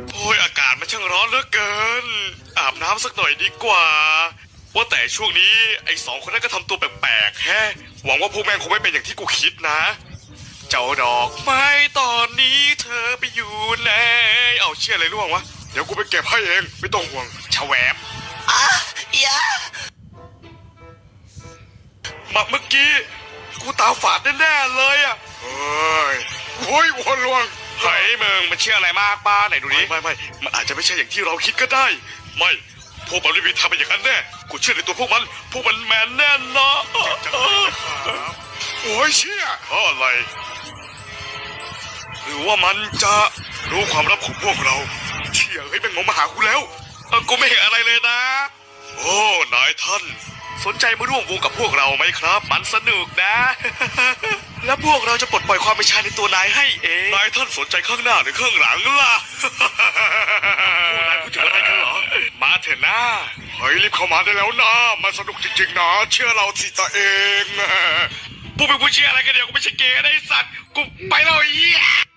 โอ้ยอากาศมันช่างร้อนเหลือเกินอาบน้ำสักหน่อยดีกว่าว่าแต่ช่วงนี้ไอ้สองคนนั้นก็ทำตัวแปลกๆแฮะหวังว่าพวกแม่งคงไม่เป็นอย่างที่กูคิดนะเจ้าดอกไม้ตอนนี้เธอไปอยู่ไหนเอาเชื่ออะไรร่วงวะเดี๋ยวกูไปเก็บให้เองไม่ต้องห่วงชแวบอย่ามาเมื่อกี้กูตาฝาดแน่ๆเลยอ่ะเฮ้ยโอ้ยวนลวงเฮ้ยมึงมันเชื่ออะไรมากป้าไหนดูดิไม่มันอาจจะไม่ใช่อย่างที่เราคิดก็ได้ไม่พวกมันไม่มีทางเป็นอย่างนั้นแน่กูเชื่อในตัวพวกมันแมนแน่นอนโอ้ยเชื่ออะไรหรือว่ามันจะรู้ความลับของพวกเราเชี่ยเฮ้ยมันงงมาหากูแล้วกูไม่เห็นอะไรเลยนะโอ้นายท่านสนใจมาร่วมวงกับพวกเราไหมครับมันสนุกนะ แล้วพวกเราจะปลดปล่อยความเป็นชายในตัวนายให้เองนายท่านสนใจข้างหน้าหรือข้างหลังล่ะ พวกนายพูดถึงอะไรกันเหรอมาเถอะนะเฮ้ยรีบเข้ามาได้แล้วนะมันสนุกจริงๆนะเชื่อเราสิตัวเอง พวกเป็นผู้เชื่ออะไรกันเดี๋ยวกูไม่ใช่เกย์นะไอ้สัตว์กูไปแล้วไอ้เหี้ย